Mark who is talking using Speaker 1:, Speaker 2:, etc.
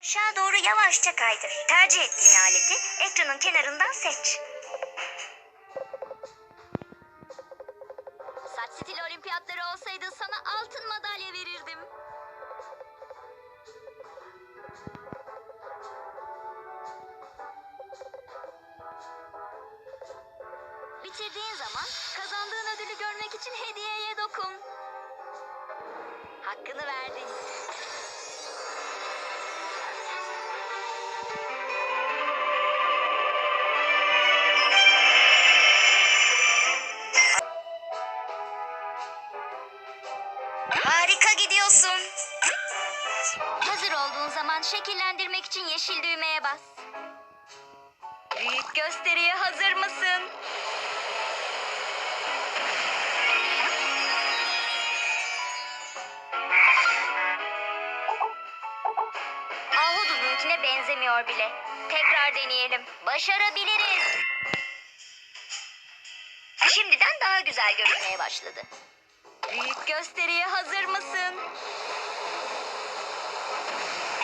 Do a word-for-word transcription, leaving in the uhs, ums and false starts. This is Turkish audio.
Speaker 1: Aşağı doğru yavaşça kaydır. Tercih ettiğin aleti ekranın kenarından seç.
Speaker 2: Saç stili olimpiyatları olsaydı sana altın madalya verirdim. Bitirdiğin zaman kazandığın ödülü görmek için hediyeye dokun. Hakkını verdin.
Speaker 1: Harika gidiyorsun.
Speaker 2: Hazır olduğun zaman şekillendirmek için yeşil düğmeye bas. Büyük gösteriye hazır mısın? Ahududunkine benzemiyor bile. Tekrar deneyelim. Başarabiliriz. Şimdiden daha güzel görünmeye başladı. Büyük gösteriye hazır mısın?